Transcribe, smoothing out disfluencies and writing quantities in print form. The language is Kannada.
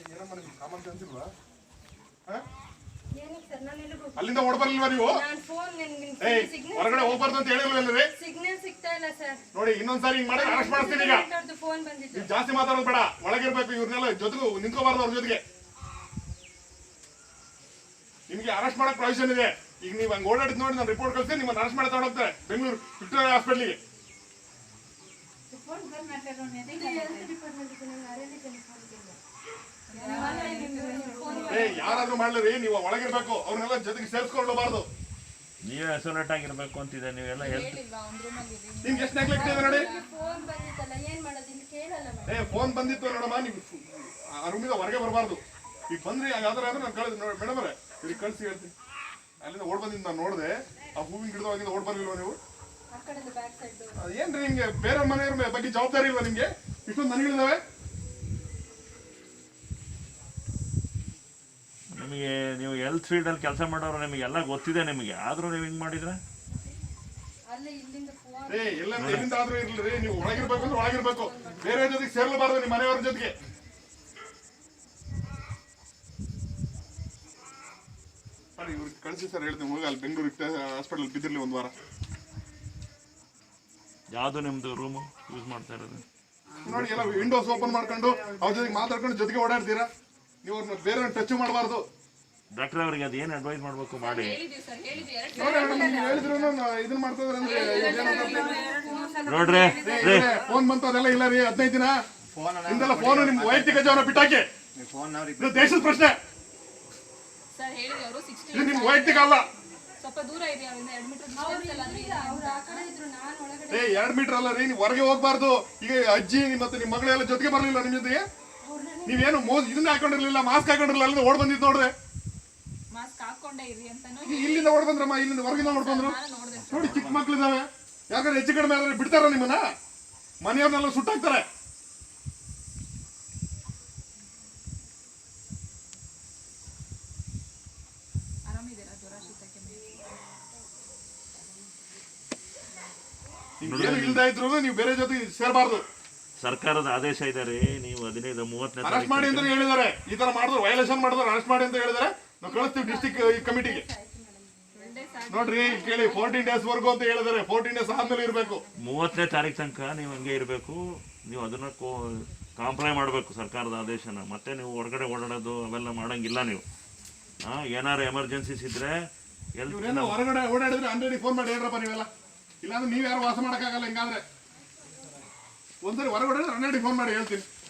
ಅಲ್ಲಿಂದ ಓಡ್ಬರ್ಲಿಲ್ವಾ ನೀವು? ಹೊರಗಡೆ ಹೋಗ್ಬಾರ್ದು ಅಂತ ಹೇಳಿಲ್ವೇ? ನೋಡಿ ಇನ್ನೊಂದ್ಸಾರಿ ಹಿಂಗ್ ಮಾಡಿ ಅರೆಸ್ಟ್ ಮಾಡಿಸ್ತೀನಿ. ಈಗ ನೀವು ಜಾಸ್ತಿ ಮಾತಾಡೋದು ಬೇಡ, ಒಳಗಿರ್ಬೇಕು. ಇವ್ರನ್ನೆಲ್ಲ ಜೊತೆಗೂ ನಿಂತ್ಕೋಬಾರ್ದು ಅವ್ರ ಜೊತೆಗೆ. ನಿಮ್ಗೆ ಅರೆಸ್ಟ್ ಮಾಡಕ್ ಪ್ರೊವಿಷನ್ ಇದೆ. ಈಗ ನೀವು ಹಂಗೆ ಓಡಾಡಿದ್ ನೋಡಿ ನಾನು ರಿಪೋರ್ಟ್ ಕಳಿಸಿ ನಿಮ್ಮನ್ನು ಅರೆಸ್ಟ್ ಮಾಡಿ ತಗೊಂಡೋಗ್ತಾರೆ ಬೆಂಗಳೂರು ವಿಕ್ಟೋರಿಯಾ ಹಾಸ್ಪಿಟ್ಲಿಗೆ. ಯಾರಾದ್ರೂ ಮಾಡ್ಲಿ, ನೀವು ಒಳಗಿರ್ಬೇಕು. ಅವ್ರನ್ನೆಲ್ಲ ಜೊತೆಗೆ ಸೇರಿಸ್ಕೊಳ್ಳಬಾರ್ದು. ನೀವೇ ಐಸೋಲೇಟ್ ಆಗಿರ್ಬೇಕು ಅಂತಿದೆ. ನೀವೆಲ್ಲ ನಿಮ್ಗೆ ಎಷ್ಟು ನೆಗ್ಲೆಕ್ಟ್ ಇದೆ ನೋಡಿ. ಫೋನ್ ಬಂದಿತ್ತು ನೋಡಮ್ಮ, ನೀವು ಆ ರೂಮಿಂದ ಹೊರಗೆ ಬರಬಾರ್ದು. ಈಗ ಬಂದ್ರಿ ಯಾವ್ದಾರ ಅಂದ್ರೆ ನಾನು ಕಳಿಸ್ ನೋಡಿ ಮೇಡಮ್ ಅವರೇ, ಇಲ್ಲಿ ಕಳಿಸಿ ಹೇಳ್ತೀನಿ. ಅಲ್ಲಿಂದ ಓಡ್ ಬಂದಿದ್ದು ನಾನು ನೋಡಿದೆ. ಆ ಹೂವಿನ ಗಿಡದವಾಗಿಂದ ಓಡ್ ಬರ್ಲಿಲ್ವ ನೀವು? ಏನ್ರಿ ನಿಮ್ಗೆ ಬೇರೆ ಮನೆಯವ್ರ ಬಗ್ಗೆ ಜವಾಬ್ದಾರಿ ಇಲ್ವಾ ನಿಮ್ಗೆ? ಇಷ್ಟೊಂದು ಮನೆಗಳಿದಾವೆ. ನಿಮಗೆ ನೀವು ಹೆಲ್ತ್ ಫೀಲ್ಡ್ ಅಲ್ಲಿ ಕೆಲಸ ಮಾಡೋರು, ನಿಮಗೆ ಎಲ್ಲ ಗೊತ್ತಿದೆ ನಿಮಗೆ, ಆದ್ರೂ ನೀವು ಹಿಂಗ್ ಮಾಡಿದ್ರೆ ಎಲ್ಲಿಂದ ಆದ್ರೂ ಇರ್ಲಿ. ನೀವು ಒಳಗಿರ್ಬೇಕು ಅಂದ್ರೆ ಒಳಗಿರ್ಬೇಕು, ಬೇರೆ ಜೊತೆಗೆ ಸೇರ್ಲಬಾರ್ದು ನಿಮ್ಮ ಮನೆಯವ್ರ ಜೊತೆಗೆ. ಇವ್ರಿಗೆ ಕಳಿಸಿ ಸರ್ ಹೇಳ್ತೀನಿ. ಹೋಗಿ ಅಲ್ಲಿ ಬೆಂಗಳೂರು ಹಾಸ್ಪಿಟಲ್ ಬಿದ್ದಿರ್ಲಿ ಒಂದು ವಾರ. ಯಾವ್ದು ನಿಮ್ದು ರೂಮ್ ಯೂಸ್ ಮಾಡ್ತಾ ಇರೋದು ನೋಡಿ, ಎಲ್ಲ ವಿಂಡೋಸ್ ಓಪನ್ ಮಾಡ್ಕೊಂಡು ಅವ್ರ ಜೊತೆಗೆ ಮಾತಾಡ್ಕೊಂಡು ಜೊತೆಗೆ ಓಡಾಡ್ತೀರಾ. ನೀವು ಅವ್ರನ್ನ ಬೇರೆ ಟಚ್ ಮಾಡಬಾರ್ದು. ಡಾಕ್ಟರ್ ಅವ್ರಿಗೆ ಅದು ಏನು ಅಡ್ವೈಸ್ ಮಾಡ್ಬೇಕು ಮಾಡಿ. ಹೇಳಿದ್ರು ಇದನ್ನ ಮಾಡ್ತಾ ನೋಡ್ರಿ ಫೋನ್ ಬಂತು ಅದೆಲ್ಲ ಇಲ್ಲ ರೀ. 15 ದಿನ ಇಂದೆಲ್ಲ ಫೋನ್ ನಿಮ್ ವೈಯಕ್ತಿಕ ಜೀವನ ಬಿಟ್ಟಾಕಿ. ದೇಶದ ಪ್ರಶ್ನೆ ಇದು, ನಿಮ್ ವೈಯಕ್ತಿಕ ಅಲ್ಲ. 2 ಮೀಟರ್ ಅಲ್ಲ ರೀ. ನೀವು ಹೊರಗೆ ಹೋಗ್ಬಾರ್ದು. ಈಗ ಅಜ್ಜಿ ಮತ್ತೆ ನಿಮ್ ಮಗಳೆಲ್ಲ ಜೊತೆಗೆ ಬರ್ಲಿಲ್ಲ ನಿಮ್ ಜೊತೆಗೆ. ನೀವೇನು ಇದನ್ನ ಹಾಕೊಂಡಿರ್ಲಿಲ್ಲ, ಮಾಸ್ಕ್ ಹಾಕೊಂಡಿರ್ಲಿಲ್ಲ. ಅಲ್ಲಿಂದ ಓಡ್ ಬಂದಿದ್ದು ನೋಡ್ರೆ. ಇಲ್ಲಿಂದ ಓಡ್ ಬಂದ್ರಮ್ಮ, ಇಲ್ಲಿಂದ ಹೊರಗಿಂದ ನೋಡ್ಕೊಂಡ್ರು. ನೋಡಿ ಚಿಕ್ಕ ಮಕ್ಳಿದಾವೆ. ಯಾಕಂದ್ರೆ ಹೆಚ್ಚು ಕಡಿಮೆ ಆದ್ರೆ ಬಿಡ್ತಾರ ನಿಮ್ಮನ್ನ? ಮನೆಯವ್ರನ್ನೆಲ್ಲ ಸುಟ್ಟಾಕ್ತಾರೆ. ಏನು ಇಲ್ದ ಇದ್ರು ನೀವು ಬೇರೆ ಜೊತೆ ಸೇರಬಾರ್ದು. ಸರ್ಕಾರದ ಆದೇಶ ಇದೆ ರೀ. ನೀವು 15-30 ಅರೆಸ್ಟ್ ಮಾಡಿ ಅಂತ ಹೇಳಿದಾರೆ. ಈ ತರ ಮಾಡಿದ್ರು, ವೈಲೇಷನ್ ಮಾಡಿದ್ರು ಅರೆಸ್ಟ್ ಮಾಡಿ ಅಂತ ಹೇಳಿದಾರೆ. ನಾವು ಕಳಿಸ್ತೀವಿ ಡಿಸ್ಟ್ರಿಕ್ಟ್ ಕಮಿಟಿಗೆ. ನೋಡ್ರಿ ಕೇಳಿ, 14 days ವರ್ಗು ಅಂತ ಹೇಳಿದಾರೆ. 14 days ಆದ್ಮೇಲೆ ಇರಬೇಕು. 30ನೇ ತಾರೀಕು ತನಕ ನೀವು ಹಂಗೆ ಇರಬೇಕು. ನೀವು ಅದನ್ನ ಕಾಂಪ್ಲೈ ಮಾಡಬೇಕು ಸರ್ಕಾರದ ಆದೇಶನ. ಮತ್ತೆ ನೀವು ಹೊರಗಡೆ ಓಡಾಡೋದು ಅವೆಲ್ಲ ಮಾಡಂಗಿಲ್ಲ ನೀವು. ಏನಾರು ಎಮರ್ಜೆನ್ಸೀಸ್ ಇದ್ರೆ ಹೊರಗಡೆ ಓಡಾಡಿದ್ರೆ 100 ಫೋನ್ ಮಾಡಿ ಹೇಳ್ರಪ್ಪ ನೀವೆಲ್ಲ. ಇಲ್ಲಾಂದ್ರೆ ನೀವ್ ಯಾರು ವಾಸ ಮಾಡಕ್ಕಾಗಲ್ಲ. ಹಿಂಗಾದ್ರೆ ಒಂದ್ಸರಿ ಹೊರಗಡೆ 100 ಫೋನ್ ಮಾಡಿ ಹೇಳ್ತೀನಿ.